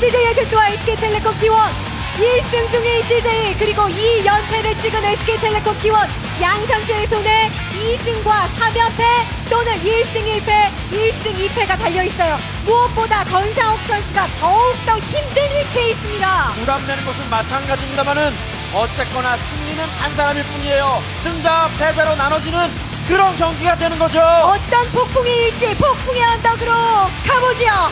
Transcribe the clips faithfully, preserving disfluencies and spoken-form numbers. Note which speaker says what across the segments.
Speaker 1: 씨제이 엔투스와 에스케이텔레콤 티원 일 승 중인 씨제이 그리고 이 연패를 찍은 에스케이텔레콤 티원 양 선수의 손에 이 승과 삼 연패 또는 일 승 일 패, 일 승 이 패가 달려있어요. 무엇보다 전상욱 선수가 더욱더 힘든 위치에 있습니다.
Speaker 2: 부담되는 것은 마찬가지입니다만은 어쨌거나 승리는 한 사람일 뿐이에요. 승자 패자로 나눠지는 그런 경기가 되는 거죠.
Speaker 1: 어떤 폭풍이 일지 폭풍의 언덕으로 가보죠.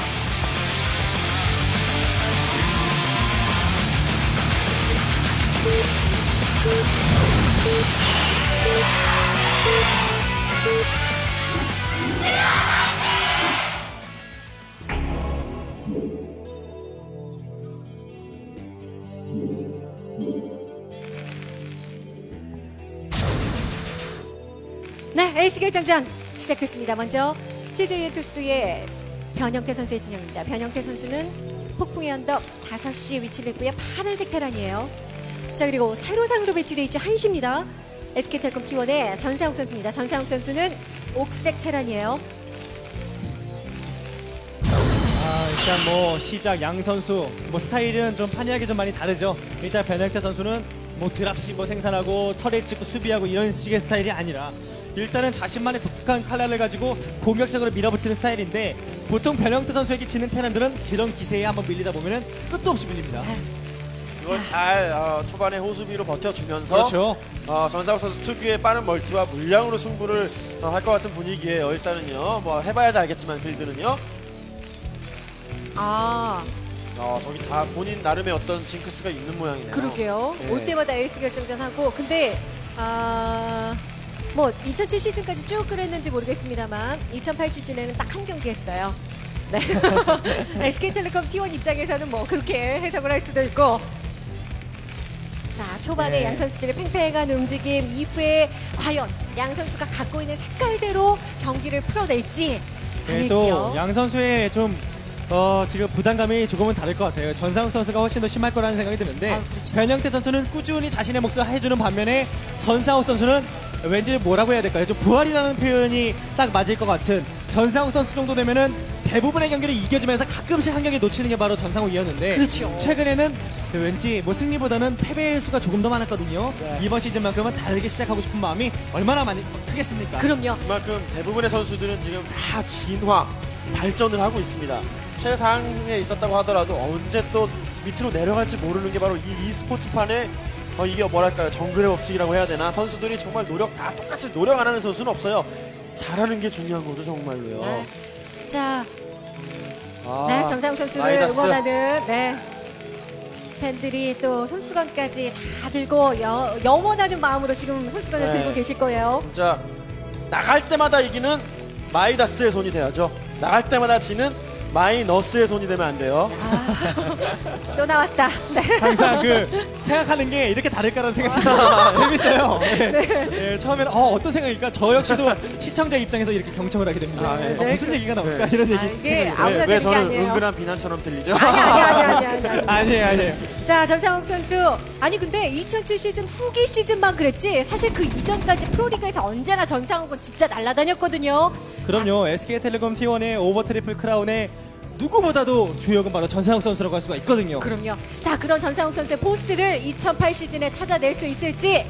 Speaker 1: 네, 에이스 결정전 시작됐습니다. 먼저 씨제이 엔투스의 변형태 선수의 진영입니다. 변형태 선수는 폭풍의 언덕 다섯 시에 위치를 했고요. 파란색 테란이에요. 자, 그리고 세로상으로 배치되어 있죠. 한시입니다. 에스케이텔레콤 티원의 전상욱 선수입니다. 전상욱 선수는 옥색 테란이에요.
Speaker 3: 아, 일단 뭐 시작 양 선수 뭐 스타일은 좀 판이하게 좀 많이 다르죠. 일단 변형태 선수는 뭐 드랍시 뭐 생산하고 터렛 찍고 수비하고 이런 식의 스타일이 아니라 일단은 자신만의 독특한 칼날을 가지고 공격적으로 밀어붙이는 스타일인데 보통 변형태 선수에게 지는 테란들은 그런 기세에 한번 밀리다 보면은 끝도 없이 밀립니다.
Speaker 2: 이걸 잘 어, 초반에 호수비로 버텨주면서
Speaker 3: 그렇죠.
Speaker 2: 어, 전상욱 선수 특유의 빠른 멀티와 물량으로 승부를 어, 할 것 같은 분위기예요. 일단은요. 뭐 해봐야지 알겠지만 빌드는요.
Speaker 1: 아,
Speaker 2: 어, 저기 자 본인 나름의 어떤 징크스가 있는 모양이네요.
Speaker 1: 그러게요.
Speaker 2: 네.
Speaker 1: 올 때마다 에이스 결정전 하고 근데 아, 뭐 이천칠 시즌까지 쭉 그랬는지 모르겠습니다만 이천팔 시즌에는 딱 한 경기 했어요. 네. 에스케이텔레콤 티원 입장에서는 뭐 그렇게 해석을 할 수도 있고. 자, 초반에
Speaker 3: 네.
Speaker 1: 양 선수들의 팽팽한 움직임 이후에 과연 양 선수가 갖고 있는 색깔대로 경기를 풀어낼지
Speaker 3: 네,
Speaker 1: 아닐지요.
Speaker 3: 또 양 선수의 좀 어, 지금 부담감이 조금은 다를 것 같아요. 전상욱 선수가 훨씬 더 심할 거라는 생각이 드는데
Speaker 1: 아, 그렇죠.
Speaker 3: 변형태 선수는 꾸준히 자신의 몫을 해주는 반면에 전상욱 선수는 왠지 뭐라고 해야 될까요? 좀 부활이라는 표현이 딱 맞을 것 같은 전상욱 선수 정도 되면은 대부분의 경기를 이겨주면서 가끔씩 한 경기 놓치는 게 바로 전상욱이었는데
Speaker 1: 그렇죠.
Speaker 3: 최근에는 왠지 뭐 승리보다는 패배의 수가 조금 더 많았거든요.
Speaker 2: 네.
Speaker 3: 이번 시즌만큼은 다르게 시작하고 싶은 마음이 얼마나 많이 크겠습니까?
Speaker 1: 그럼요.
Speaker 2: 그만큼 대부분의 선수들은 지금 다 진화, 발전을 하고 있습니다. 최상에 있었다고 하더라도 언제 또 밑으로 내려갈지 모르는 게 바로 이 e스포츠판의 어, 이게 뭐랄까요, 정글의 법칙이라고 해야 되나. 선수들이 정말 노력 다 똑같이 노력 안 하는 선수는 없어요. 잘하는 게 중요한 거죠, 정말로요.
Speaker 1: 네. 자,
Speaker 2: 아,
Speaker 1: 네, 정상욱 선수를
Speaker 2: 마이다스.
Speaker 1: 응원하는 네. 팬들이 또 손수건까지 다 들고 여, 영원하는 마음으로 지금 손수건을
Speaker 2: 네.
Speaker 1: 들고 계실 거예요.
Speaker 2: 진짜 나갈 때마다 이기는 마이다스의 손이 돼야죠. 나갈 때마다 지는 마이너스의 손이 되면 안 돼요.
Speaker 1: 아, 또 나왔다. 네.
Speaker 3: 항상 그 생각하는 게 이렇게 다를까라는 생각이 재밌어요. 네. 네, 처음에는 어, 어떤 생각일까? 저 역시도 시청자 입장에서 이렇게 경청을 하게 됩니다.
Speaker 2: 아, 네.
Speaker 3: 어, 무슨
Speaker 1: 네,
Speaker 3: 얘기가 나올까?
Speaker 2: 네.
Speaker 3: 이런 얘기.
Speaker 1: 아, 이게
Speaker 3: 생각이
Speaker 1: 아무나
Speaker 2: 왜, 왜
Speaker 1: 되는 게
Speaker 2: 저는
Speaker 1: 아니에요.
Speaker 2: 은근한 비난처럼 들리죠?
Speaker 1: 아니, 아니, 아니, 아니, 아니, 아니.
Speaker 3: 아니에요, 아니에요.
Speaker 1: 자, 전상욱 선수. 아니, 근데 이천칠 시즌 후기 시즌만 그랬지. 사실 그 이전까지 프로리그에서 언제나 전상욱은 진짜 날아다녔거든요.
Speaker 3: 그럼요. 에스케이텔레콤 티원의 오버 트리플 크라운의 누구보다도 주역은 바로 전상욱 선수라고 할 수가 있거든요.
Speaker 1: 그럼요. 자, 그런 전상욱 선수의 포스를 이천팔 시즌에 찾아낼 수 있을지.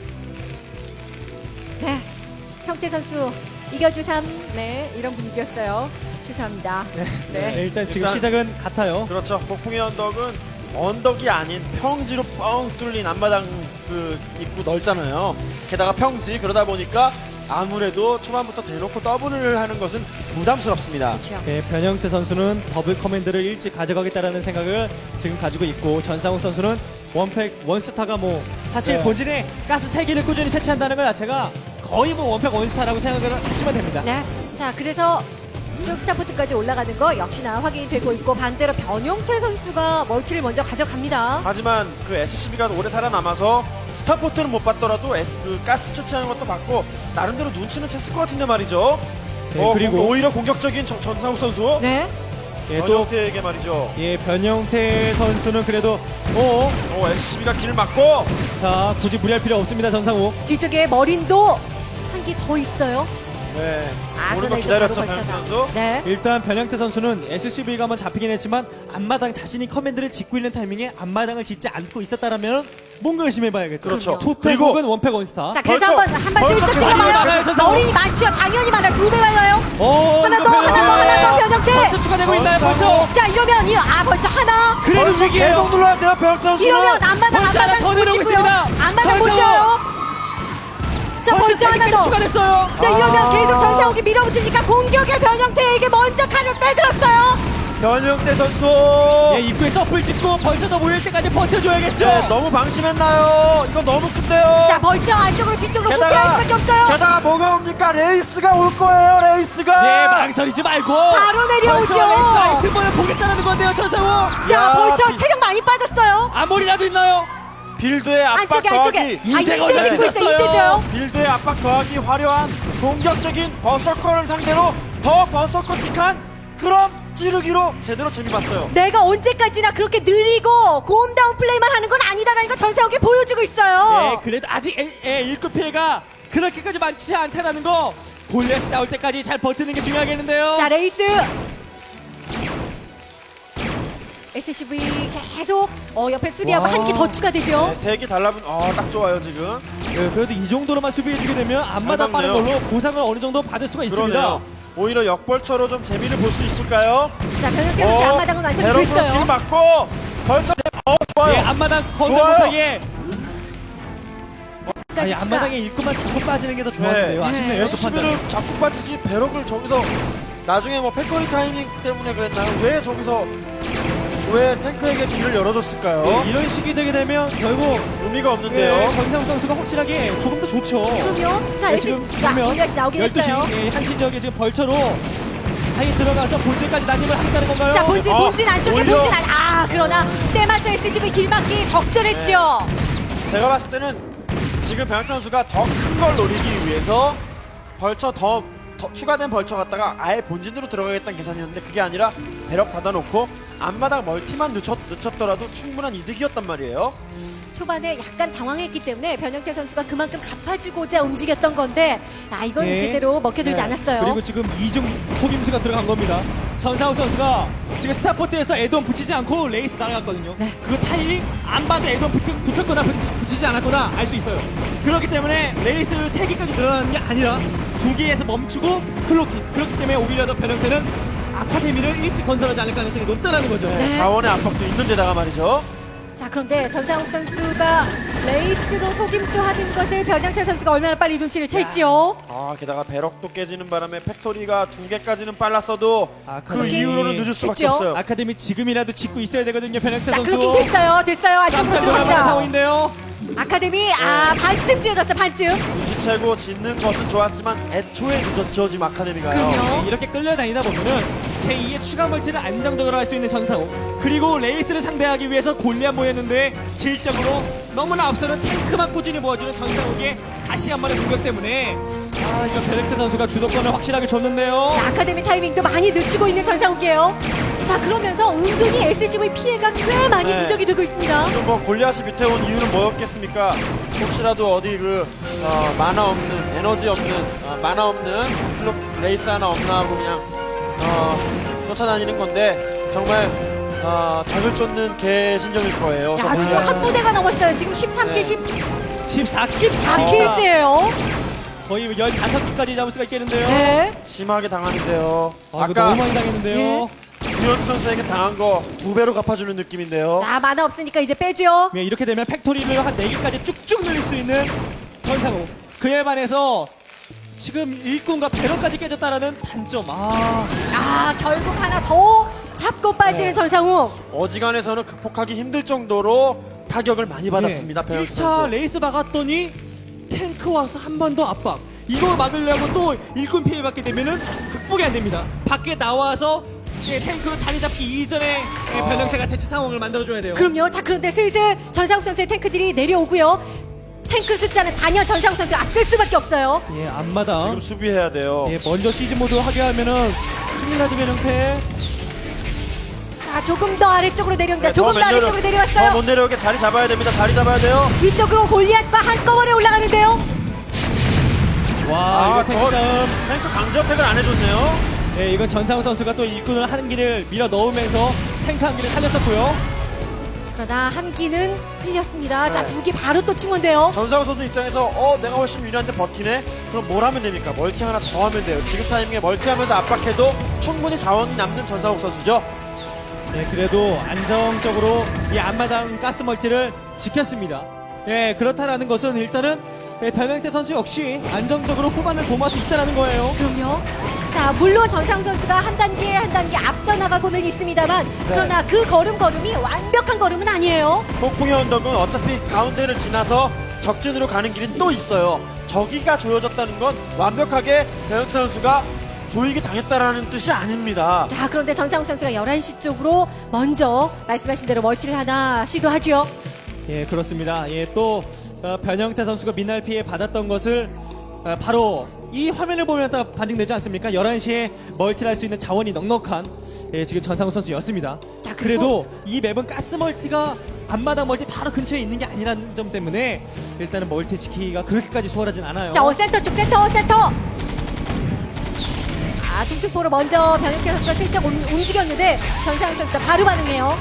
Speaker 1: 네. 형태 선수 이겨주삼. 네, 이런 분위기였어요. 죄송합니다.
Speaker 3: 네.
Speaker 1: 네.
Speaker 3: 네, 일단 지금
Speaker 2: 일단-
Speaker 3: 시작은 같아요.
Speaker 2: 그렇죠. 폭풍의 언덕은 언덕이 아닌 평지로 뻥 뚫린 앞마당 그 입구 넓잖아요. 게다가 평지, 그러다 보니까 아무래도 초반부터 대놓고 더블을 하는 것은 부담스럽습니다.
Speaker 1: 그렇죠.
Speaker 3: 네, 변형태 선수는 더블 커맨드를 일찍 가져가겠다라는 생각을 지금 가지고 있고 전상욱 선수는 원팩, 원스타가 뭐 사실
Speaker 2: 네.
Speaker 3: 본진에 가스 세 개를 꾸준히 채취한다는 것 자체가 거의 뭐 원팩 원스타라고 생각을 하시면 됩니다.
Speaker 1: 네. 자, 그래서 쭉 스타포트까지 올라가는 거 역시나 확인이 되고 있고 반대로 변용태 선수가 멀티를 먼저 가져갑니다.
Speaker 2: 하지만 그 에스씨비가 오래 살아남아서 스타포트는 못 받더라도 에스, 그 가스 채취하는 것도 받고 나름대로 눈치는 챘을 것 같은데 말이죠.
Speaker 3: 네,
Speaker 2: 어,
Speaker 3: 그리고-
Speaker 2: 공- 오히려 공격적인 정- 전상욱 선수.
Speaker 1: 네.
Speaker 3: 예, 또
Speaker 2: 변형태에게 말이죠.
Speaker 3: 예, 변형태 선수는 그래도 오,
Speaker 2: 오, 에스씨비가 길을 막고
Speaker 3: 자, 굳이 무리할 필요 없습니다, 전상욱.
Speaker 1: 뒤쪽에 머린도 한 개 더 있어요.
Speaker 2: 네.
Speaker 1: 아,
Speaker 2: 오는 거
Speaker 1: 그러나 이제
Speaker 2: 기다렸죠,
Speaker 1: 바로
Speaker 2: 변혁태
Speaker 1: 걸쳐서.
Speaker 2: 선수.
Speaker 1: 네.
Speaker 3: 일단 변형태 선수는 에스씨브이가 한번 잡히긴 했지만 앞마당 자신이 커맨드를 짓고 있는 타이밍에 앞마당을 짓지 않고 있었다라면 뭔가 의심해봐야겠죠.
Speaker 2: 그렇죠.
Speaker 3: 투팩
Speaker 2: 그리고-
Speaker 3: 혹은 원팩 원스타.
Speaker 1: 자, 그래서
Speaker 2: 벌써-
Speaker 1: 한번 한번
Speaker 2: 벌써
Speaker 1: 슬쩍
Speaker 2: 많이
Speaker 3: 많아요,
Speaker 1: 찍어봐요.
Speaker 3: 전상욱.
Speaker 1: 머리 많죠. 당연히 많아. 두 배 많아요.
Speaker 3: 오,
Speaker 1: 하나
Speaker 3: 이거
Speaker 1: 더,
Speaker 3: 변형태.
Speaker 1: 하나 더, 하나 더, 변형태.
Speaker 3: 벌써 추가되고 있나요, 벌써?
Speaker 2: 전상욱.
Speaker 1: 자, 이러면 이 아, 벌써 하나.
Speaker 3: 그래도
Speaker 2: 벌써
Speaker 3: 위기예요.
Speaker 2: 계속 눌러야 돼요, 변혁태 선수는.
Speaker 1: 이러면 앞마당
Speaker 3: 벌써 하나
Speaker 1: 앞마당
Speaker 3: 더
Speaker 1: 못
Speaker 3: 내려오고
Speaker 1: 찍고요.
Speaker 3: 있습니다.
Speaker 1: 앞마당 못
Speaker 3: 전상욱.
Speaker 1: 찍어요. 자,
Speaker 3: 벌써
Speaker 1: 벌써
Speaker 3: 세
Speaker 1: 하나
Speaker 3: 개까지
Speaker 1: 더.
Speaker 3: 추가됐어요.
Speaker 1: 자, 이러면
Speaker 2: 아.
Speaker 1: 계속 전상욱이 밀어붙이니까 공격의 변형태에게 먼저 칼을 빼들었어요.
Speaker 2: 변혁태 선수.
Speaker 3: 예, 입구에 서플 찍고 벌써 더 모일 때까지 버텨줘야겠죠.
Speaker 2: 네, 너무 방심했나요? 이거 너무 큰데요.
Speaker 1: 자, 벌써 안쪽으로 뒤쪽으로 후퇴할
Speaker 2: 게다가
Speaker 1: 수밖에 없어요.
Speaker 2: 게다가 뭐가 옵니까? 레이스가 올 거예요. 레이스가.
Speaker 3: 예, 망설이지 말고
Speaker 1: 바로 내려오죠.
Speaker 3: 벌써 레이스가 승부를 보겠다는 건데요, 전상우.
Speaker 1: 자,
Speaker 2: 야,
Speaker 1: 벌써
Speaker 2: 비-
Speaker 1: 체력 많이 빠졌어요.
Speaker 3: 아무리라도 있나요?
Speaker 2: 빌드의 압박
Speaker 1: 안쪽에
Speaker 2: 더하기.
Speaker 1: 안쪽에. 아,
Speaker 3: 이세가
Speaker 1: 이세 지고 있어요.
Speaker 3: 올라갔어요.
Speaker 1: 이세죠.
Speaker 2: 빌드의 압박 더하기 화려한 공격적인 버서커를 상대로 더 버서커틱한 그런 찌르기로 제대로 재미봤어요.
Speaker 1: 내가 언제까지나 그렇게 느리고 고음다운 플레이만 하는 건 아니다라는 걸 전세욱이 보여주고 있어요.
Speaker 3: 예, 그래도 아직 에, 에, 일 급 피해가 그렇게까지 많지 않다라는 거 골리앗이 나올 때까지 잘 버티는 게 중요하겠는데요.
Speaker 1: 자, 레이스. 에스씨브이 계속 어, 옆에 수비하고
Speaker 3: 와.
Speaker 1: 한 개 더 추가되죠.
Speaker 2: 네, 색이 달라붙. 어, 딱 좋아요 지금.
Speaker 3: 예, 그래도 이 정도로만 수비해주게 되면 앞마다 빠른
Speaker 2: 막네요.
Speaker 3: 걸로 보상을 어느 정도 받을 수가 있습니다.
Speaker 2: 그러네요. 오히려 역벌처로 좀 재미를 볼 수 있을까요?
Speaker 1: 자, 변혁태 선수 앞마당은 완성이
Speaker 2: 대롱으로 길
Speaker 1: 됐어요.
Speaker 2: 맞고 벌써 어 좋아요.
Speaker 3: 예, 앞마당 건설
Speaker 2: 좋아요.
Speaker 3: 못하게 아니,
Speaker 1: 까지 추가.
Speaker 3: 앞마당에 일꾼만 잡고 빠지는 게 더 좋았는데요.
Speaker 2: 네.
Speaker 3: 아쉽네요.
Speaker 1: 네.
Speaker 3: 그 판단.
Speaker 2: 시비를 잡고 빠지지 배럭을 저기서 나중에 뭐 팩토리 타이밍 때문에 그랬나요? 왜 저기서 왜 탱크에게 길을 열어줬을까요?
Speaker 3: 이런 식이 되게 되면 결국
Speaker 2: 의미가
Speaker 3: 예,
Speaker 2: 없는데요.
Speaker 3: 전상욱 선수가 확실하게 조금 더 좋죠.
Speaker 1: 그럼요. 자,
Speaker 3: 예,
Speaker 1: 에스씨
Speaker 3: 지금
Speaker 1: 자,
Speaker 3: 보면
Speaker 1: 골리앗이 나오긴
Speaker 3: 열두 시
Speaker 1: 했어요.
Speaker 3: 예, 한시 지역에 지금 벌처로 아예 들어가서 본질까지 난입을 하겠다는 건가요?
Speaker 1: 자, 본진,
Speaker 2: 어,
Speaker 1: 본진 안쪽에
Speaker 2: 오히려-
Speaker 1: 본진 안. 아, 그러나 때맞춰 에스씨브이 길막기 적절했죠.
Speaker 2: 제가 봤을 때는 지금 변혁 선수가 더 큰 걸 노리기 위해서 벌처 더, 더 추가된 벌처 갖다가 아예 본진으로 들어가겠다는 계산이었는데 그게 아니라 배럭 닫아놓고 앞마당 멀티만 늦췄, 늦췄더라도 충분한 이득이었단 말이에요.
Speaker 1: 초반에 약간 당황했기 때문에 변형태 선수가 그만큼 갚아주고자 움직였던 건데 아 이건
Speaker 3: 네.
Speaker 1: 제대로 먹혀들지
Speaker 3: 네.
Speaker 1: 않았어요.
Speaker 3: 그리고 지금 이중 속임수가 들어간 겁니다. 전상욱 선수가 지금 스타포트에서 에드온 붙이지 않고 레이스 날아갔거든요.
Speaker 1: 네.
Speaker 3: 그 타이밍 안 봐도 에드온 붙이, 붙였거나 붙이, 붙이지 않았거나 알 수 있어요. 그렇기 때문에 레이스 세 개까지 늘어나는 게 아니라 두 개에서 멈추고 클로킹. 그렇기 때문에 오히려 더 변형태는 아카데미를 일찍 건설하지 않을 가능성이 높다는 거죠.
Speaker 1: 네.
Speaker 2: 자원의 압박도 있는 데다가 말이죠.
Speaker 1: 자 그런데 전상욱 선수가 레이스로 속임수 하는 것을 변형태 선수가 얼마나 빨리 눈치를 챘지요.
Speaker 2: 아 게다가 배럭도 깨지는 바람에 팩토리가 두 개까지는 빨랐어도
Speaker 3: 아,
Speaker 2: 그
Speaker 3: 그러긴
Speaker 2: 이후로는 늦을 수밖에
Speaker 1: 했죠.
Speaker 2: 없어요.
Speaker 3: 아카데미 지금이라도 짓고 있어야 되거든요. 변형태
Speaker 1: 자
Speaker 3: 선수.
Speaker 1: 클로킹 됐어요. 됐어요. 안쪽으로
Speaker 3: 깜짝 놀랄 만한
Speaker 1: 들어갑니다.
Speaker 3: 상황인데요.
Speaker 1: 아카데미 아 반쯤 쥐어졌어 반쯤.
Speaker 2: 눈치채고 짓는 것은 좋았지만 애초에 늦었죠 지금 아카데미가요.
Speaker 1: 그럼요.
Speaker 3: 네, 이렇게 끌려다니다 보면은 제이의 추가 멀티를 안정적으로 할 수 있는 전상욱, 그리고 레이스를 상대하기 위해서 골리앗 모였는데 질적으로 너무나 앞서는 탱크만 꾸준히 모아주는 전상욱의 다시 한 번의 공격 때문에 아 이거 베렉트 선수가 주도권을 확실하게 줬는데요.
Speaker 1: 자, 아카데미 타이밍도 많이 늦추고 있는 전상욱이에요. 자 그러면서 은근히 에스씨브이 피해가 꽤 많이
Speaker 2: 네.
Speaker 1: 누적이 되고 있습니다.
Speaker 2: 지금 뭐 골리앗이 밑에 온 이유는 뭐였겠습니까? 혹시라도 어디 그 어, 만화 없는 에너지 없는 어, 만화 없는 클럽 레이스 하나 없나 하고 그냥 어, 쫓아다니는 건데 정말 어, 닭을 쫓는 개신정일 거예요.
Speaker 1: 야 지금 한 부대가 넘었어요. 지금 십삼 개,
Speaker 2: 네.
Speaker 1: 십,
Speaker 3: 십사 킬
Speaker 1: 십사 킬째예요.
Speaker 3: 거의 열다섯 개까지 잡을 수가 있겠는데요.
Speaker 1: 네.
Speaker 2: 심하게 당하는데요.
Speaker 3: 아, 이거
Speaker 2: 아까
Speaker 3: 너무 많이 당했는데요.
Speaker 2: 유현수 선수에게 당한 거 두 배로 갚아주는 느낌인데요.
Speaker 1: 자 만화 없으니까 이제 빼죠.
Speaker 3: 네, 이렇게 되면 팩토리를 한 네 개까지 쭉쭉 늘릴 수 있는 전상욱. 그에 반해서 지금 일꾼과 배럭까지 깨졌다라는 단점. 아,
Speaker 1: 아 결국 하나 더 잡고 빠지는
Speaker 3: 네.
Speaker 1: 전상욱.
Speaker 2: 어지간해서는 극복하기 힘들 정도로 타격을 많이 받았습니다.
Speaker 3: 네.
Speaker 2: 변혁
Speaker 3: 일 차
Speaker 2: 선수.
Speaker 3: 레이스 막았더니 탱크 와서 한 번 더 압박. 이거 막으려고 또 일꾼 피해 받게 되면은 극복이 안 됩니다. 밖에 나와서 예, 탱크로 자리 잡기 이전에 예, 변형태가 대치 상황을 만들어줘야 돼요.
Speaker 1: 그럼요. 자 그런데 슬슬 전상욱 선수의 탱크들이 내려오고요. 탱크 숫자는 단연 전상욱 선수 앞설 수밖에 없어요.
Speaker 3: 예, 앞마당.
Speaker 2: 지금 수비해야 돼요.
Speaker 3: 예, 먼저 시즈 모드 하게 하면은 큰일 나지 변형태.
Speaker 1: 자 조금 더 아래쪽으로 내려옵니다.
Speaker 2: 네,
Speaker 1: 조금 더
Speaker 2: 못 내려-
Speaker 1: 아래쪽으로
Speaker 2: 더
Speaker 1: 내려왔어요.
Speaker 2: 못 내려오게 자리 잡아야 됩니다. 자리 잡아야 돼요.
Speaker 1: 위쪽으로 골리앗과 한꺼번에 올라가는데요.
Speaker 3: 와,
Speaker 2: 아,
Speaker 3: 이거 탱크
Speaker 2: 저-
Speaker 3: 싸움.
Speaker 2: 탱크 강제어택을 안 해줬네요.
Speaker 3: 예, 이건 전상우 선수가 또 일꾼을 한 기를 밀어 넣으면서 탱크 한 기를 살렸었고요.
Speaker 1: 그러나 한 기는 흘렸습니다. 자,
Speaker 2: 네.
Speaker 1: 두 기 바로 또 충원돼요.
Speaker 2: 전상우 선수 입장에서 어 내가 훨씬 유리한데 버티네? 그럼 뭘 하면 됩니까? 멀티 하나 더 하면 돼요. 지금 타이밍에 멀티하면서 압박해도 충분히 자원이 남는 전상욱 선수죠.
Speaker 3: 예, 그래도 안정적으로 이 앞마당 가스 멀티를 지켰습니다. 예, 그렇다라는 것은 일단은 예, 변형태 선수 역시 안정적으로 후반을 도모할 수 있다는 거예요.
Speaker 1: 그럼요. 자, 물론 전상 선수가 한 단계 한 단계 앞서 나가고는 있습니다만 그러나 그 걸음걸음이 완벽한 걸음은 아니에요.
Speaker 2: 폭풍의 언덕은 어차피 가운데를 지나서 적진으로 가는 길이 또 있어요. 저기가 조여졌다는 건 완벽하게 배영태 선수가 조이기 당했다라는 뜻이 아닙니다.
Speaker 1: 자, 그런데 전상욱 선수가 열한 시 쪽으로 먼저 말씀하신 대로 멀티를 하나 시도하죠.
Speaker 3: 예, 그렇습니다. 예, 또 어, 변형태 선수가 미날 피해 받았던 것을 어, 바로 이 화면을 보면 다 반증되지 않습니까? 열한 시에 멀티를 할 수 있는 자원이 넉넉한 예, 지금 전상우 선수였습니다.
Speaker 1: 자,
Speaker 3: 그래도
Speaker 1: 그리고-
Speaker 3: 이 맵은 가스 멀티가 앞마당 멀티 바로 근처에 있는 게 아니라는 점 때문에 일단은 멀티 지키기가 그렇게까지 수월하진 않아요.
Speaker 1: 자, 어, 센터 쪽 센터 센터. 아, 퉁퉁포로 먼저 변혁태 선수가 슬쩍 움- 움직였는데 전상욱 선수가 바로 반응해요.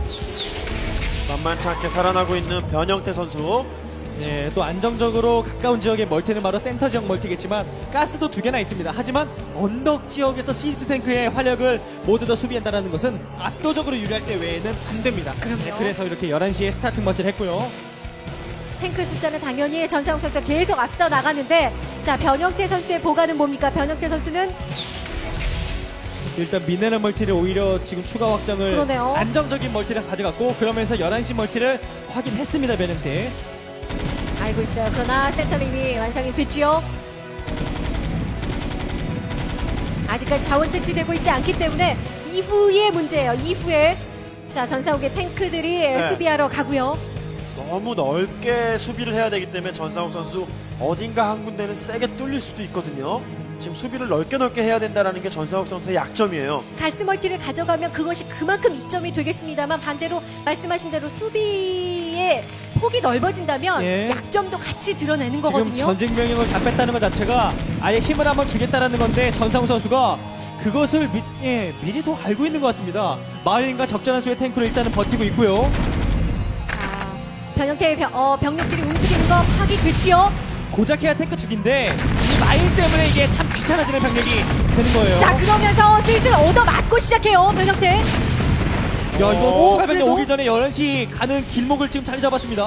Speaker 2: 만만치 않게 살아나고 있는 변영태 선수.
Speaker 3: 예, 또 안정적으로 가까운 지역의 멀티는 바로 센터 지역 멀티겠지만 가스도 두 개나 있습니다. 하지만 언덕 지역에서 시즈 탱크의 활력을 모두 다 수비한다는 것은 압도적으로 유리할 때 외에는 안 됩니다.
Speaker 1: 그럼요.
Speaker 3: 네, 그래서 이렇게 열한 시에 스타팅 멀티를 했고요.
Speaker 1: 탱크 숫자는 당연히 전상욱 선수가 계속 앞서 나가는데 자, 변형태 선수의 보관은 뭡니까? 변형태 선수는
Speaker 3: 일단 미네랄 멀티를 오히려 지금 추가 확장을
Speaker 1: 그러네요.
Speaker 3: 안정적인 멀티를 가져갔고 그러면서 열한 시 멀티를 확인했습니다. 변형태.
Speaker 1: 알고 있어요. 그러나 센터는 이미 완성이 됐지요. 아직까지 자원 채취되고 있지 않기 때문에 이후의 문제예요. 이후에 자, 전상욱의 탱크들이
Speaker 2: 네.
Speaker 1: 수비하러 가고요.
Speaker 2: 너무 넓게 수비를 해야 되기 때문에 전상욱 선수 어딘가 한 군데는 세게 뚫릴 수도 있거든요. 지금 수비를 넓게 넓게 해야 된다는 게 전상욱 선수의 약점이에요.
Speaker 1: 가스 멀티를 가져가면 그것이 그만큼 이점이 되겠습니다만 반대로 말씀하신 대로 수비의 폭이 넓어진다면
Speaker 3: 예.
Speaker 1: 약점도 같이 드러내는
Speaker 3: 지금
Speaker 1: 거거든요.
Speaker 3: 전쟁 명령을 다 뺐다는 것 자체가 아예 힘을 한번 주겠다라는 건데 전상우 선수가 그것을 미, 예, 미리도 알고 있는 것 같습니다. 마을인과 적절한 수의 탱크로 일단은 버티고 있고요.
Speaker 1: 자, 변형태의 병, 어, 병력들이 움직이는 거 파악됐지요.
Speaker 3: 고작해야 탱크 죽인데 이 마일 때문에 이게 참 귀찮아지는 병력이 되는 거예요.
Speaker 1: 자, 그러면서 슬슬 얻어 맞고 시작해요. 변형태.
Speaker 3: 야, 이거
Speaker 2: 오,
Speaker 3: 추가 병력
Speaker 1: 그래도-
Speaker 3: 오기 전에 열한 시 가는 길목을 지금 자리 잡았습니다.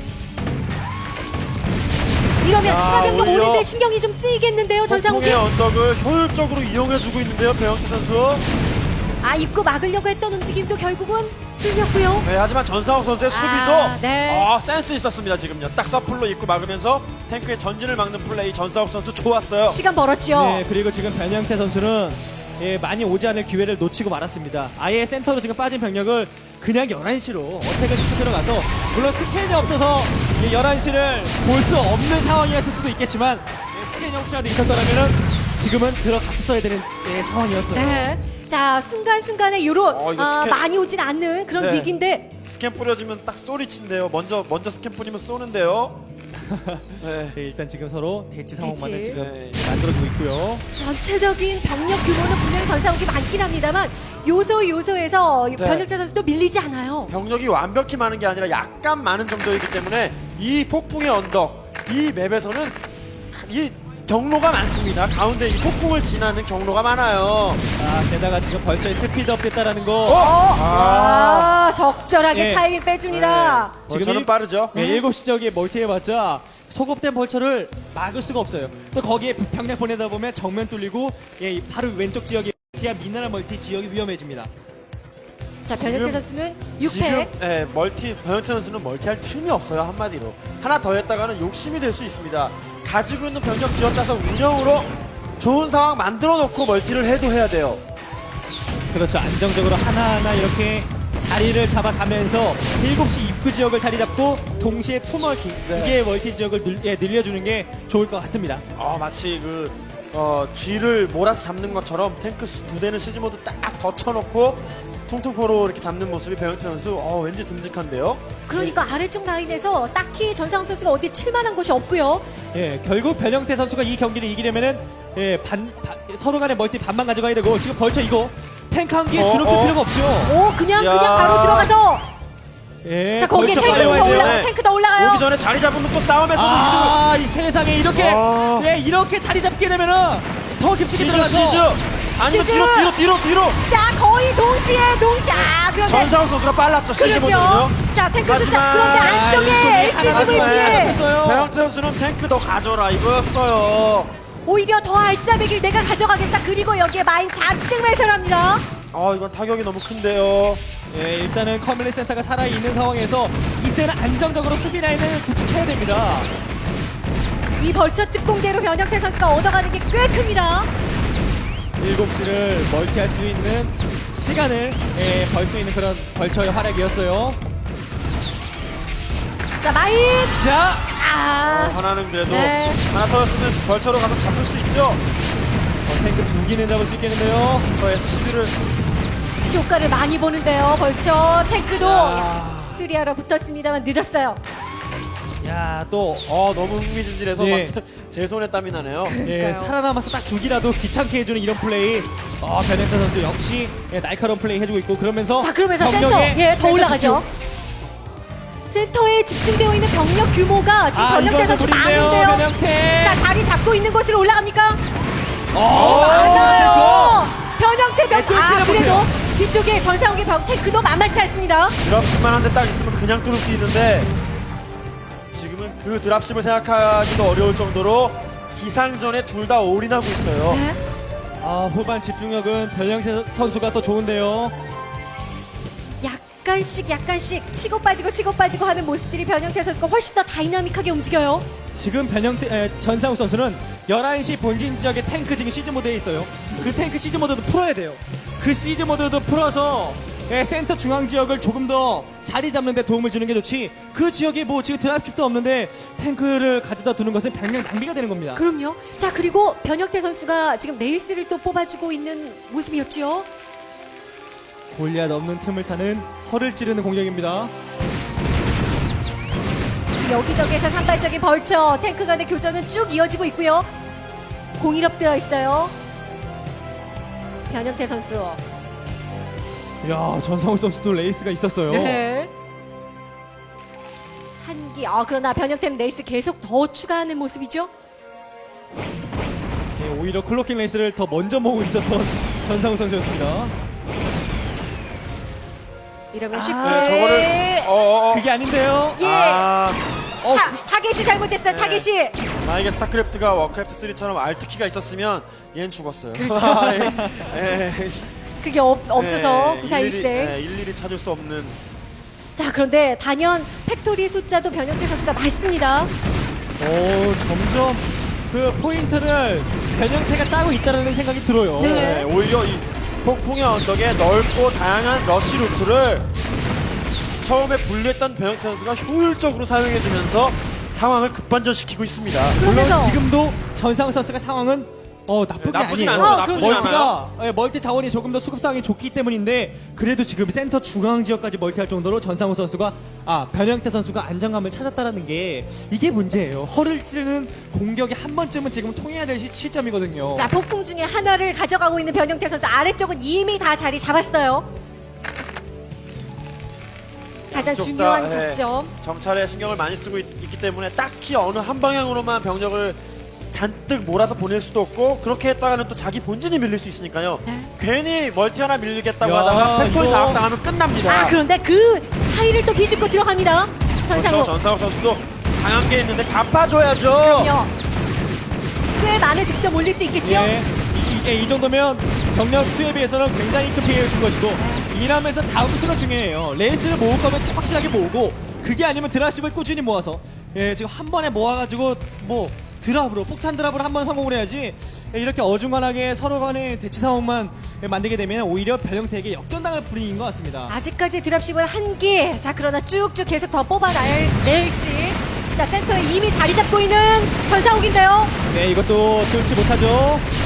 Speaker 1: 이러면
Speaker 2: 야,
Speaker 1: 추가 병력
Speaker 2: 오히려
Speaker 1: 오는데 신경이 좀 쓰이겠는데요. 전상욱이.
Speaker 2: 폭풍의 언덕을 효율적으로 이용해주고 있는데요. 배영태 선수.
Speaker 1: 아, 입고 막으려고 했던 움직임도 결국은 뚫렸고요.
Speaker 2: 네, 하지만 전상욱 선수의 수비도
Speaker 1: 아, 네.
Speaker 2: 아, 센스 있었습니다. 지금요. 딱 서플로 입고 막으면서 탱크의 전진을 막는 플레이 전상욱 선수 좋았어요.
Speaker 1: 시간 벌었죠.
Speaker 3: 네, 그리고 지금 변형태 선수는 예, 많이 오지 않을 기회를 놓치고 말았습니다. 아예 센터로 지금 빠진 병력을 그냥 열한 시로 어택을 시켜 들어가서 물론 스캔이 없어서 이 열한 시를 볼 수 없는 상황이었을 수도 있겠지만 예, 스캔이 혹시라도 있었더라면 지금은 들어갔어야 되는 예, 상황이었어요.
Speaker 1: 네. 자, 순간순간에 요런
Speaker 2: 어, 이거
Speaker 1: 아,
Speaker 2: 스캔-
Speaker 1: 많이 오진 않는 그런
Speaker 2: 네.
Speaker 1: 위기인데
Speaker 2: 스캔 뿌려주면 딱 소리친대요. 먼저 먼저 스캔 뿌리면 쏘는데요. 네.
Speaker 3: 네, 일단 지금 서로 대치 상황만을
Speaker 1: 대치.
Speaker 3: 지금
Speaker 2: 네.
Speaker 3: 만들어주고 있고요.
Speaker 1: 전체적인 병력 규모는 분명히 전상욱이 많긴 합니다만 요소 요소에서
Speaker 2: 네.
Speaker 1: 변혁태 선수도 밀리지 않아요.
Speaker 2: 병력이 완벽히 많은 게 아니라 약간 많은 정도이기 때문에 이 폭풍의 언덕, 이 맵에서는 이 경로가 많습니다. 가운데 이 폭풍을 지나는 경로가 많아요.
Speaker 3: 아, 게다가 지금 벌써 스피드업 됐다라는 거.
Speaker 2: 어? 아,
Speaker 1: 아, 적절하게
Speaker 3: 예.
Speaker 1: 타이밍 빼줍니다.
Speaker 2: 네.
Speaker 3: 지금
Speaker 2: 저는
Speaker 3: 일-
Speaker 2: 빠르죠.
Speaker 3: 네, 일곱 시 지역에 멀티해봤자 소급된 벌처를 막을 수가 없어요. 또 거기에 병력 보내다 보면 정면 뚫리고 예, 바로 왼쪽 지역에 멀티야 미네랄 멀티 지역이 위험해집니다.
Speaker 1: 자, 변혁태
Speaker 2: 지금-
Speaker 1: 선수는 육
Speaker 2: 지금
Speaker 1: 패.
Speaker 2: 예, 멀티 변현태 선수는 멀티할 틈이 없어요. 한마디로 하나 더 했다가는 욕심이 될 수 있습니다. 가지고 있는 병력 쥐어짜서 운영으로 좋은 상황 만들어 놓고 멀티를 해도 해야 돼요.
Speaker 3: 그렇죠. 안정적으로 하나하나 이렇게 자리를 잡아가면서 일곱 시 입구 지역을 자리 잡고 동시에 투 멀티,
Speaker 2: 네.
Speaker 3: 두 개의 멀티 지역을 늘, 예, 늘려주는 게 좋을 것 같습니다.
Speaker 2: 아, 마치 그 어, 쥐를 몰아서 잡는 것처럼 탱크 두 대는 시즈 모드 딱 덧쳐놓고 퉁퉁포로 이렇게 잡는 모습이 배영태 선수 어, 왠지 듬직한데요.
Speaker 1: 그러니까 아래쪽 라인에서 딱히 전상욱 선수가 어디 칠만한 곳이 없고요.
Speaker 3: 예, 결국 변형태 선수가 이 경기를 이기려면은 예, 반, 반- 서로 간의 멀티 반만 가져가야 되고 지금 벌써 이거 탱크 한 개에
Speaker 2: 어,
Speaker 3: 주눅들
Speaker 2: 어.
Speaker 3: 필요가 없죠.
Speaker 1: 오, 그냥
Speaker 2: 야.
Speaker 1: 그냥 바로 들어가서
Speaker 3: 예,
Speaker 1: 자 거기에
Speaker 3: 벌써
Speaker 1: 탱크
Speaker 3: 빨리 와야
Speaker 1: 더
Speaker 3: 돼요.
Speaker 1: 올라
Speaker 2: 네.
Speaker 1: 탱크 더 올라가요.
Speaker 2: 오기 전에 자리 잡으면 또 싸움에서도
Speaker 3: 아, 이 세상에 이렇게
Speaker 2: 아.
Speaker 3: 예, 이렇게 자리 잡게 되면은 더 깊숙이
Speaker 2: 시즈
Speaker 3: 들어가서
Speaker 2: 시즈 아니면
Speaker 1: 시즈!
Speaker 2: 뒤로 뒤로 뒤로 뒤로
Speaker 1: 자 거의 동시에 동시에 아 그런데
Speaker 2: 전상욱 선수가 빨랐죠. 시즈
Speaker 1: 그렇죠.
Speaker 2: 모드는요.
Speaker 1: 자 탱크 숫자
Speaker 2: 하지만-
Speaker 1: 그런데
Speaker 3: 아,
Speaker 1: 안쪽에
Speaker 3: 이쪽에 하나
Speaker 1: 에스씨브이
Speaker 3: 가져가야
Speaker 1: 피해
Speaker 3: 됐어요.
Speaker 2: 배영태 선수는 탱크 더 가져라 이거였어요.
Speaker 1: 오히려 더 알짜배기를 내가 가져가겠다. 그리고 여기에 마인 잔뜩 매설합니다.
Speaker 2: 아 이건 타격이 너무 큰데요.
Speaker 3: 예, 일단은 커뮤니티 센터가 살아있는 상황에서 이제는 안정적으로 수비 라인을 구축해야 됩니다.
Speaker 1: 이 벌처 특공대로 변형태 선수가 얻어가는 게 꽤 큽니다.
Speaker 3: 일곱 시를 멀티할 수 있는 시간을 예, 벌 수 있는 그런 벌처의 활약이었어요.
Speaker 1: 자 마인
Speaker 3: 자,
Speaker 1: 아
Speaker 2: 하나는 그래도
Speaker 1: 네.
Speaker 2: 하나 터졌으면 벌처로 가서 잡을 수 있죠.
Speaker 3: 어, 탱크 두 개는 잡을 수 있겠는데요.
Speaker 2: 저 에스씨비를
Speaker 1: 효과를 많이 보는데요. 벌처 탱크도
Speaker 2: 야.
Speaker 1: 수리하러 붙었습니다만 늦었어요.
Speaker 3: 야, 또
Speaker 2: 어 너무 흥미진진해서
Speaker 3: 예.
Speaker 2: 막 제 손에 땀이 나네요.
Speaker 3: 예,
Speaker 1: 그러니까요.
Speaker 3: 살아남아서 딱 두 기라도 귀찮게 해주는 이런 플레이. 어, 변현태 선수 역시 예, 날카로운 플레이 해주고 있고 그러면서
Speaker 1: 자 그러면서 센터
Speaker 3: 병력에
Speaker 1: 예 더
Speaker 3: 센터
Speaker 1: 올라가죠.
Speaker 3: 집중.
Speaker 1: 센터에 집중되어 있는 병력 규모가 지금
Speaker 3: 아,
Speaker 1: 변형태
Speaker 3: 이건
Speaker 1: 선수
Speaker 3: 무리인데요,
Speaker 1: 많은데요.
Speaker 3: 변형태.
Speaker 1: 자 자리 잡고 있는 곳으로 올라갑니까?
Speaker 3: 어,
Speaker 1: 맞아요. 변형태 병.
Speaker 3: 네,
Speaker 1: 아
Speaker 3: 뚫지는
Speaker 1: 그래도
Speaker 3: 못해요.
Speaker 1: 뒤쪽에 전상욱의 병 탱크도 만만치 않습니다.
Speaker 2: 드랍십만 한 대 딱 있으면 그냥 뚫을 수 있는데 지금은 그 드랍십을 생각하기도 어려울 정도로 지상전에 둘 다 올인하고 있어요.
Speaker 1: 네.
Speaker 3: 아, 후반 집중력은 변형태 선수가 더 좋은데요.
Speaker 1: 약간씩 약간씩 치고 빠지고 치고 빠지고 하는 모습들이 변형태 선수가 훨씬 더 다이나믹하게 움직여요.
Speaker 3: 지금 변형태 에, 전상욱 선수는 열한 시 본진 지역에 탱크 지금 시즈 모드에 있어요. 그 탱크 시즈 모드도 풀어야 돼요. 그 시즈 모드도 풀어서 예, 센터 중앙 지역을 조금 더 자리 잡는 데 도움을 주는 게 좋지. 그 지역에 뭐 지금 드랍십도 없는데 탱크를 가져다 두는 것은 병력 낭비가 되는 겁니다.
Speaker 1: 그럼요. 자 그리고 변형태 선수가 지금 레이스를 또 뽑아주고 있는 모습이었죠.
Speaker 3: 골리앗 없는 틈을 타는 허를 찌르는 공격입니다.
Speaker 1: 여기저기에서 산발적인 벌처 탱크 간의 교전은 쭉 이어지고 있고요. 공일업되어 있어요. 변형태 선수.
Speaker 3: 야, 전상욱 선수도 레이스가 있었어요.
Speaker 1: 네. 한기. 아 그러나 변형태는 레이스 계속 더 추가하는 모습이죠.
Speaker 3: 예, 오히려 클로킹 레이스를 더 먼저 모으고 있었던 전상욱 선수였습니다.
Speaker 1: 이러면
Speaker 3: 아,
Speaker 1: 쉽게.
Speaker 2: 네, 저거를 어어어
Speaker 3: 그게 아닌데요.
Speaker 1: 예.
Speaker 2: 아
Speaker 3: 어,
Speaker 1: 타, 타겟이 잘못됐어요.
Speaker 2: 네.
Speaker 1: 타겟이.
Speaker 2: 만약에 스타크래프트가 워크래프트 쓰리처럼 알트키가 있었으면 얘는 죽었어요.
Speaker 1: 그렇죠.
Speaker 2: 예, 예.
Speaker 1: 그게 없, 없어서
Speaker 2: 예,
Speaker 1: 구사일생.
Speaker 2: 일일이, 예, 일일이 찾을 수 없는.
Speaker 1: 자 그런데 단연 팩토리 숫자도 변형태 선수가 많습니다.
Speaker 3: 오, 점점 그 포인트를 변형태가 따고 있다는 생각이 들어요.
Speaker 1: 네.
Speaker 2: 예, 오히려 이 폭풍의 언덕에 넓고 다양한 러시 루트를 처음에 분리했던 배영태 선수가 효율적으로 사용해주면서 상황을 급반전시키고 있습니다.
Speaker 3: 물론
Speaker 1: 그러면서-
Speaker 3: 지금도 전상욱 선수가 상황은 어 나쁜 게
Speaker 2: 나쁘진
Speaker 3: 아니에요.
Speaker 2: 않죠.
Speaker 1: 어,
Speaker 2: 나쁘진
Speaker 1: 그럼요.
Speaker 2: 않아요.
Speaker 3: 멀티가 예, 멀티 자원이 조금 더 수급 상황이 좋기 때문인데 그래도 지금 센터 중앙 지역까지 멀티할 정도로 전상욱 선수가 아 변형태 선수가 안정감을 찾았다라는 게 이게 문제예요. 허를 찌르는 공격이 한 번쯤은 지금 통해야 될 시, 시점이거든요.
Speaker 1: 자 폭풍 중에 하나를 가져가고 있는 변형태 선수 아래쪽은 이미 다 자리 잡았어요. 가장
Speaker 2: 양쪽 다,
Speaker 1: 중요한
Speaker 2: 예,
Speaker 1: 독점.
Speaker 2: 정찰에 신경을 많이 쓰고 있, 있기 때문에 딱히 어느 한 방향으로만 병력을 잔뜩 몰아서 보낼 수도 없고 그렇게 했다가는 또 자기 본진이 밀릴 수 있으니까요.
Speaker 1: 네.
Speaker 2: 괜히 멀티 하나 밀리겠다고
Speaker 3: 야,
Speaker 2: 하다가 팩토리
Speaker 3: 이거-
Speaker 2: 장악당하면 끝납니다.
Speaker 1: 아 그런데 그 사이를 또 비집고 들어갑니다.
Speaker 2: 그렇죠.
Speaker 1: 전상욱.
Speaker 2: 전상욱 선수도 강한 게 있는데 갚아줘야죠.
Speaker 1: 그럼요. 꽤 많은 득점 올릴 수 있겠죠.
Speaker 3: 예, 이, 이게 이 정도면 병력 수에 비해서는 굉장히 큰 피해를 준 것이고 이라면서 다음 수가 중요해요. 레이스를 모을 거면 확실하게 모으고 그게 아니면 드랍십을 꾸준히 모아서 예, 지금 한 번에 모아가지고 뭐 드랍으로 폭탄 드랍으로 한 번 성공을 해야지 예, 이렇게 어중간하게 서로 간의 대치 상황만 예, 만들게 되면 오히려 변형태에게 역전당할 분위기인 것 같습니다.
Speaker 1: 아직까지 드랍십은 한 개. 자 그러나 쭉쭉 계속 더 뽑아낼 낼지. 자 센터에 이미 자리 잡고 있는 전상욱인데요.
Speaker 3: 네, 이것도 뚫지 못하죠.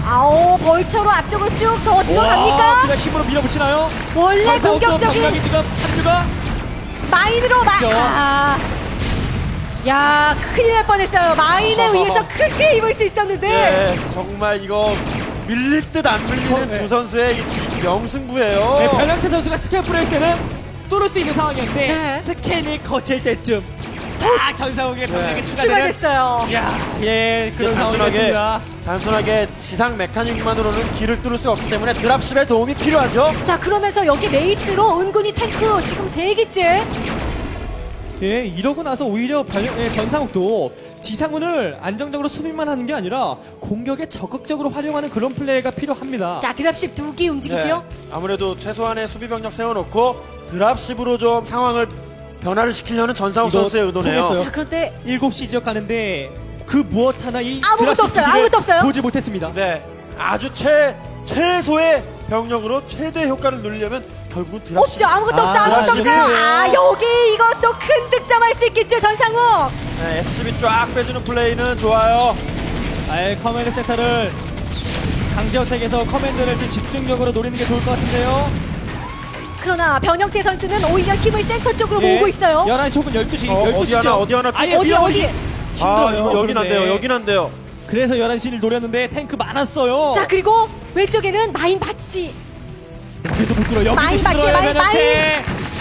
Speaker 1: 아오, 벌처로 앞쪽으로 쭉 더
Speaker 3: 와,
Speaker 1: 들어갑니까?
Speaker 3: 그냥 힘으로 밀어붙이나요?
Speaker 1: 원래
Speaker 3: 전사옥도
Speaker 1: 공격적인
Speaker 3: 병력이 지금 합류가
Speaker 1: 마인으로 마.
Speaker 3: 그렇죠.
Speaker 1: 아. 야, 큰일 날 뻔했어요. 마인에 의해서 크게 입을 수 있었는데.
Speaker 2: 예, 정말 이거 밀릴 듯 안 밀리는
Speaker 3: 네.
Speaker 2: 두 선수의 이 지- 명승부예요.
Speaker 3: 네, 변형태 선수가 스캔 프레스 때는 뚫을 수 있는 상황이었는데
Speaker 1: 네.
Speaker 3: 스캔이 거칠 때쯤 딱 전사옥의 병력이
Speaker 2: 네.
Speaker 3: 추가되는
Speaker 1: 추가됐어요.
Speaker 3: 야, 예, 그런 상황이었습니다.
Speaker 2: 단순하게 지상 메카닉만으로는 길을 뚫을 수가 없기 때문에 드랍십의 도움이 필요하죠.
Speaker 1: 자, 그러면서 여기 레이스로 은근히 탱크 지금 세 개째.
Speaker 3: 예, 이러고 나서 오히려 변형, 예, 전상욱도 지상훈을 안정적으로 수비만 하는 게 아니라 공격에 적극적으로 활용하는 그런 플레이가 필요합니다.
Speaker 1: 자, 드랍십 두 기 움직이죠.
Speaker 2: 네, 아무래도 최소한의 수비 병력 세워놓고 드랍십으로 좀 상황을 변화를 시키려는 전상욱
Speaker 3: 이거
Speaker 2: 선수의 의도네요.
Speaker 3: 통했어요.
Speaker 1: 자, 그런데
Speaker 3: 일곱 시 지역 가는데 그 무엇 하나 이
Speaker 1: 아무것도
Speaker 3: 드랍십
Speaker 1: 없어요.
Speaker 3: 기기를
Speaker 1: 아무것도 없어요.
Speaker 3: 보지 못했습니다.
Speaker 2: 네, 아주 최 최소의 병력으로 최대 효과를 누리려면 결국은 드랍십.
Speaker 1: 없죠. 아무것도 없어.
Speaker 3: 아,
Speaker 1: 아무것도 없어요.
Speaker 2: 드랍십이에요.
Speaker 1: 아, 여기 이것도 큰 득점할 수 있겠죠, 전상욱.
Speaker 2: 네, 에스씨비 쫙 빼주는 플레이는 좋아요.
Speaker 3: 아예 커맨드 센터를 강제어택에서 커맨드를 좀 집중적으로 노리는 게 좋을 것 같은데요.
Speaker 1: 그러나 변형태 선수는 오히려 힘을 센터 쪽으로
Speaker 3: 예,
Speaker 1: 모으고 있어요.
Speaker 3: 열한 시 혹은 열두 시,
Speaker 2: 어,
Speaker 3: 열두
Speaker 2: 어디
Speaker 3: 시죠.
Speaker 2: 하나, 어디 하나
Speaker 3: 아예
Speaker 1: 어디,
Speaker 3: 밀어버리기
Speaker 1: 어디?
Speaker 3: 힘들어요.
Speaker 2: 아, 이거 여긴 안 돼요.
Speaker 3: 그런데.
Speaker 2: 여긴 안 돼요.
Speaker 3: 그래서 열한 시를 노렸는데 탱크 많았어요.
Speaker 1: 자, 그리고 왼쪽에는 마인 바치.
Speaker 3: 여기도 못 들어. 여기도
Speaker 1: 마인 맞지,
Speaker 3: 힘들어요.
Speaker 1: 마인,
Speaker 3: 변형태.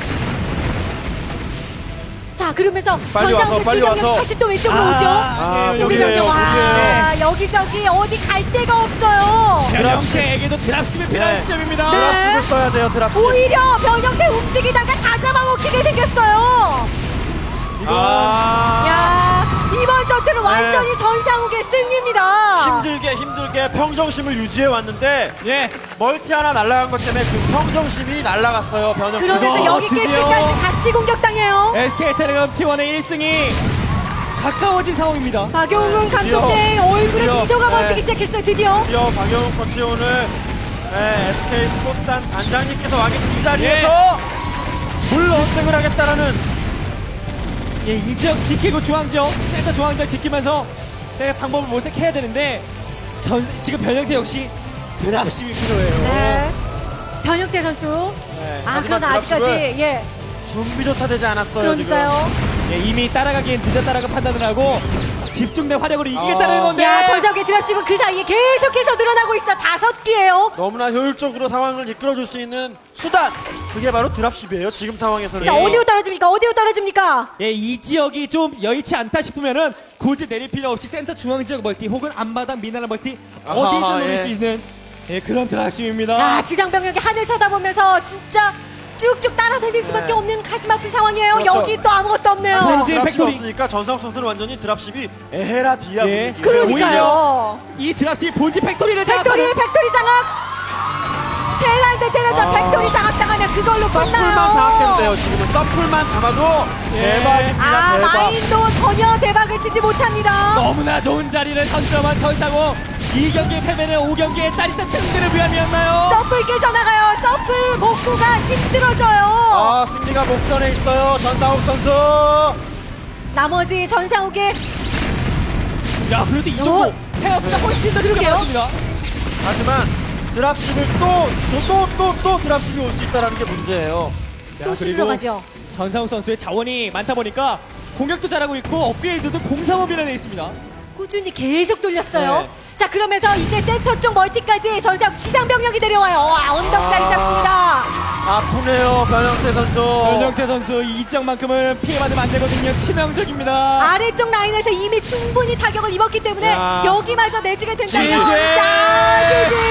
Speaker 1: 자, 그러면서
Speaker 2: 빨리 와서,
Speaker 1: 전상욱의
Speaker 2: 빨리
Speaker 1: 출병력
Speaker 2: 와서.
Speaker 1: 다시 또 왼쪽으로
Speaker 3: 아,
Speaker 1: 오죠.
Speaker 2: 아,
Speaker 3: 여기네요,
Speaker 1: 우리 병력
Speaker 3: 여기네요.
Speaker 1: 와, 여기저기 어디 갈 데가 없어요.
Speaker 3: 변형태에게도 드랍십이 필요한
Speaker 2: 네.
Speaker 3: 시점입니다.
Speaker 1: 네.
Speaker 2: 드랍십을 써야 돼요. 드랍십.
Speaker 1: 오히려 변형태 움직이다가 다 잡아먹히게 생겼어요.
Speaker 3: 이거
Speaker 2: 아,
Speaker 1: 야, 이번 전투는 완전히 전상욱의 승리입니다.
Speaker 2: 힘들게 힘들게 평정심을 유지해 왔는데
Speaker 3: 예.
Speaker 2: 멀티 하나 날아간 것 때문에 그 평정심이 날아갔어요. 변형.
Speaker 1: 그러면서
Speaker 3: 어,
Speaker 1: 여기
Speaker 3: 드디어.
Speaker 1: 깨스까지 같이 공격당해요.
Speaker 3: 에스케이텔레콤 티원의 일 승이 가까워진 상황입니다.
Speaker 1: 박용훈
Speaker 2: 드디어.
Speaker 1: 감독의 얼굴에
Speaker 2: 드디어.
Speaker 1: 미소가
Speaker 2: 네.
Speaker 1: 번지기 시작했어요. 드디어.
Speaker 2: 드디어 박영훈 코치 오늘 네, 에스케이 스포츠단 단장님께서 와 계신 이 자리에서 물론 승을 하겠다라는
Speaker 3: 예, 이 지역 지키고 중앙지역, 센터 중앙지역 지키면서 네, 방법을 모색해야 되는데 전, 지금 변형태 역시 드랍십이 필요해요.
Speaker 1: 네. 변형태 선수.
Speaker 2: 네,
Speaker 1: 아,
Speaker 2: 하지만
Speaker 1: 그러나 아직까지
Speaker 2: 드랍십은
Speaker 1: 예.
Speaker 2: 준비조차 되지 않았어요.
Speaker 1: 그러니까요.
Speaker 3: 예, 이미 따라가기엔 늦었다라고 판단을 하고 집중된 활약으로 이기겠다는
Speaker 2: 어.
Speaker 3: 건데.
Speaker 1: 야, 전성의 드랍십은 그 사이에 계속해서 늘어나고 있어. 다섯 개예요.
Speaker 2: 지금 너무나 효율적으로 상황을 이끌어줄 수 있는 수단 그게 바로 드랍십이에요. 지금 상황에서는.
Speaker 1: 자, 어디로 떨어집니까? 어디로 떨어집니까?
Speaker 3: 예, 이 지역이 좀 여의치 않다 싶으면은 굳이 내릴 필요 없이 센터 중앙 지역 멀티 혹은 앞마당 미나라 멀티
Speaker 2: 아하,
Speaker 3: 어디든 노릴
Speaker 2: 예.
Speaker 3: 수 있는 예, 그런 드랍십입니다.
Speaker 1: 야, 지상병력이 하늘 쳐다보면서 진짜 쭉쭉 따라다닐 수밖에
Speaker 2: 네.
Speaker 1: 없는 가슴 아픈 상황이에요.
Speaker 2: 그렇죠.
Speaker 1: 여기 또 아무것도 없네요.
Speaker 3: 본진
Speaker 2: 드랍십이
Speaker 3: 팩토리.
Speaker 2: 없으니까 전상욱 선수는 완전히 드랍십이 에헤라 디아
Speaker 3: 예.
Speaker 2: 분위기.
Speaker 1: 그러니까요.
Speaker 3: 이 드랍십 본진 팩토리를
Speaker 1: 팩토리,
Speaker 3: 장악하는
Speaker 1: 팩토리 장악. 텔란드 테라자
Speaker 2: 아.
Speaker 1: 팩토리 장악당하면 그걸로
Speaker 2: 서플만
Speaker 1: 끝나요.
Speaker 2: 장악해도 돼요. 지금은 서플만 잡아도
Speaker 3: 예.
Speaker 2: 대박입니다.
Speaker 1: 아,
Speaker 2: 대박.
Speaker 1: 마인도 전혀 대박을 치지 못합니다.
Speaker 3: 너무나 좋은 자리를 선점한 전상호. 이 경기의 패배는 오 경기의 짜릿한 승리를 위함이었나요?
Speaker 1: 서플 깨져나가요. 서플 복구가 힘들어져요.
Speaker 2: 아, 승리가 목전에 있어요. 전상욱 선수.
Speaker 1: 나머지 전상욱의
Speaker 3: 야, 그래도 이 정도
Speaker 1: 어?
Speaker 3: 생각보다 훨씬 더 쉽게
Speaker 1: 그러게요.
Speaker 3: 나왔습니다.
Speaker 2: 하지만 드랍십을 또 또 또 또 드랍십이 올 수 있다는 게 문제예요.
Speaker 1: 또 들어가죠.
Speaker 3: 전상욱 선수의 자원이 많다 보니까 공격도 잘하고 있고 업그레이드도 공사업 밀어내 있습니다.
Speaker 1: 꾸준히 계속 돌렸어요.
Speaker 2: 네.
Speaker 1: 자, 그러면서 이제 센터 쪽 멀티까지 전상 지상병력이 내려와요. 와, 언덕다리
Speaker 2: 아.
Speaker 1: 잡습니다.
Speaker 2: 아프네요, 변형태 선수.
Speaker 3: 변정태 선수 이 지역만큼은 피해받으면 안 되거든요. 치명적입니다.
Speaker 1: 아래쪽 라인에서 이미 충분히 타격을 입었기 때문에
Speaker 2: 야.
Speaker 1: 여기마저 내주게 된다면
Speaker 2: 지지.
Speaker 1: 자, 지지!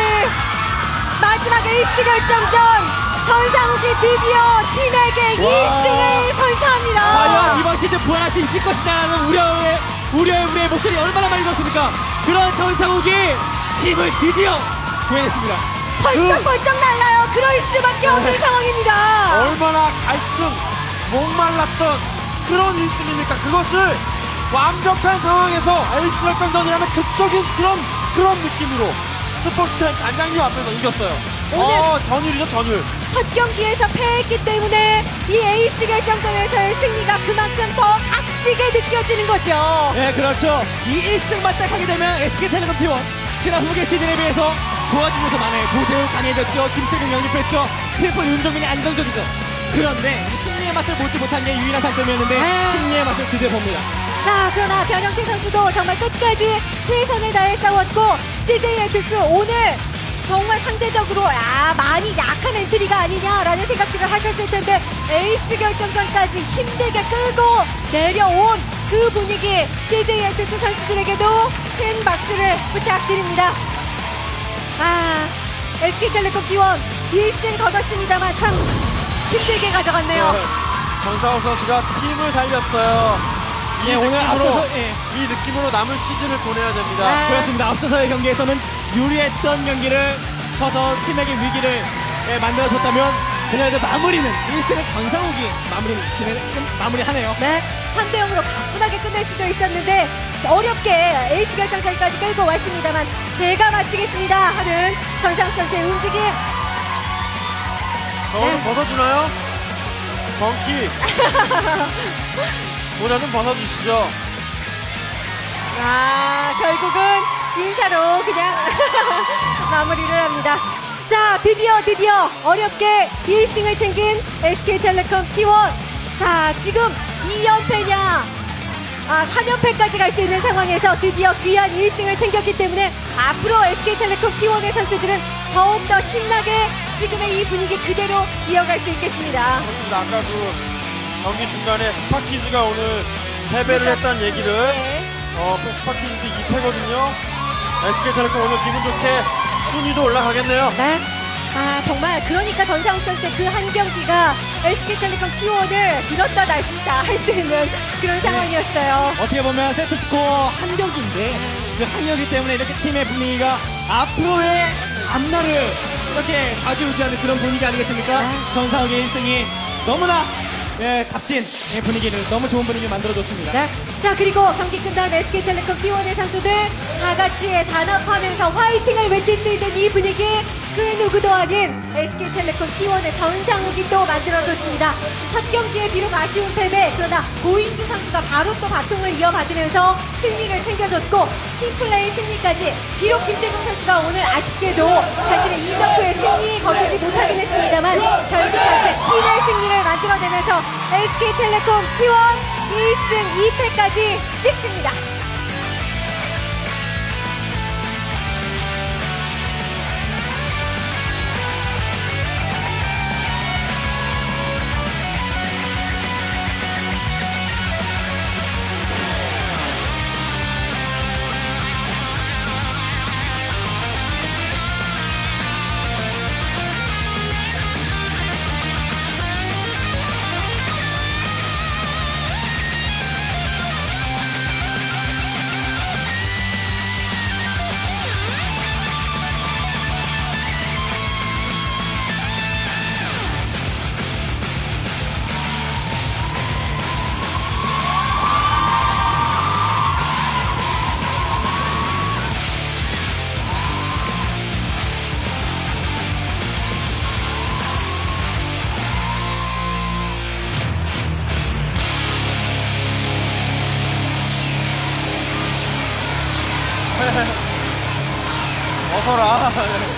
Speaker 1: 마지막 에이스 결정전 전상욱이 드디어 팀에게 일 승을 선사합니다.
Speaker 3: 과연 이번 시즌 부활할 수 있을 것이다라는 우려의 우려의 우리의 목소리 얼마나 많이 들었습니까? 그런 전상욱이 팀을 드디어 구해냈습니다.
Speaker 1: 벌쩍벌쩍 날라요. 그럴 수밖에 없는
Speaker 2: 네.
Speaker 1: 상황입니다.
Speaker 2: 얼마나 갈증, 목말랐던 그런 일 승입니까? 그것을 완벽한 상황에서 에이스 결정전이라는 극적인 그런 그런 느낌으로 스포츠타임 단장님 앞에서 이겼어요.
Speaker 1: 오늘-
Speaker 2: 어, 전율이죠, 전율.
Speaker 1: 첫 경기에서 패했기 때문에 이 에이스 결정전에서의 승리가 그만큼 더 값지게 느껴지는 거죠.
Speaker 3: 네, 그렇죠. 이 일 승만 딱 하게 되면 에스케이텔레콤 티원 지난 후계 시즌에 비해서 좋아진 요소 많아요. 고재우 강해졌죠. 김태균 영입했죠. 트리플 윤종민이 안정적이죠. 그런데 이 승리의 맛을 보지 못한 게 유일한 단점이었는데
Speaker 1: 네.
Speaker 3: 승리의 맛을 드디어 봅니다.
Speaker 1: 자, 그러나 변형태 선수도 정말 끝까지 최선을 다해 싸웠고 씨제이 엔투스 오늘 정말 상대적으로 아, 많이 약한 엔트리가 아니냐라는 생각들을 하셨을 텐데 에이스 결정전까지 힘들게 끌고 내려온 그 분위기 씨제이 엔투스 선수들에게도 큰 박수를 부탁드립니다. 아, 에스케이텔레콤 티원 일 승 거뒀습니다만 참 힘들게 가져갔네요.
Speaker 2: 네. 전상욱 선수가 팀을 살렸어요. 이
Speaker 3: 예, 오늘
Speaker 2: 느낌으로,
Speaker 3: 앞서서, 예.
Speaker 2: 이 느낌으로 남은 시즌을 보내야 됩니다.
Speaker 1: 네.
Speaker 3: 그렇습니다. 앞서서의 경기에서는 유리했던 경기를 쳐서 팀에게 위기를 예, 만들어줬다면 그녀의 마무리는 일 승을 전상욱이 마무리, 진행, 끝- 마무리하네요.
Speaker 1: 네, 삼 대 영으로 가뿐하게 끝낼 수도 있었는데 어렵게 에이스 결정전까지 끌고 왔습니다만 제가 마치겠습니다 하는 전상욱 선수의 움직임.
Speaker 2: 저는
Speaker 1: 네.
Speaker 2: 벗어주나요? 벙키. 모자 좀 벗어주시죠.
Speaker 1: 아, 결국은 인사로 그냥 마무리를 합니다. 자, 드디어 드디어 어렵게 일 승을 챙긴 에스케이텔레콤 티원. 자, 지금 이 연패냐 아, 삼 연패까지 갈 수 있는 상황에서 드디어 귀한 일 승을 챙겼기 때문에 앞으로 에스케이텔레콤 티원의 선수들은 더욱더 신나게 지금의 이 분위기 그대로 이어갈 수 있겠습니다.
Speaker 2: 그렇습니다. 아까 그 경기 중간에 스파키즈가 오늘 패배를 했다는 얘기를
Speaker 1: 네.
Speaker 2: 어, 스파키즈도 이 패거든요. 에스케이텔레콤 오늘 기분 좋게 순위도 올라가겠네요.
Speaker 1: 네. 아, 정말 그러니까 전상욱 선수의 그 한 경기가 에스케이텔레콤 티원을 들었다 놨다 할 수 있는 그런 상황이었어요.
Speaker 3: 어떻게 보면 세트스코어 한 경기인데 그 한 경기 때문에 이렇게 팀의 분위기가 앞으로의 앞날을 이렇게 좌지우지하는 그런 분위기 아니겠습니까?
Speaker 1: 네.
Speaker 3: 전상욱의 일 승이 너무나 예, 값진 예, 분위기를 너무 좋은 분위기를 만들어줬습니다.
Speaker 1: 네. 자, 그리고 경기 끝난 에스케이텔레콤 티원의 선수들 다 같이 단합하면서 화이팅을 외칠 수 있는 이 분위기 그 누구도 아닌 에스케이텔레콤 티원의 전상욱이 또 만들어줬습니다. 첫 경기에 비록 아쉬운 패배, 그러나 고인규 선수가 바로 또 바통을 이어받으면서 승리를 챙겨줬고 팀플레이 승리까지 비록 김태균 선수가 오늘 아쉽게도 자신의 이적 후의 승리 거두지 못하긴 했습니다만 결국 전체 팀의 승리를 만들어내면서 에스케이텔레콤 티원 일 승 이 패까지 찍습니다.
Speaker 2: 어서라.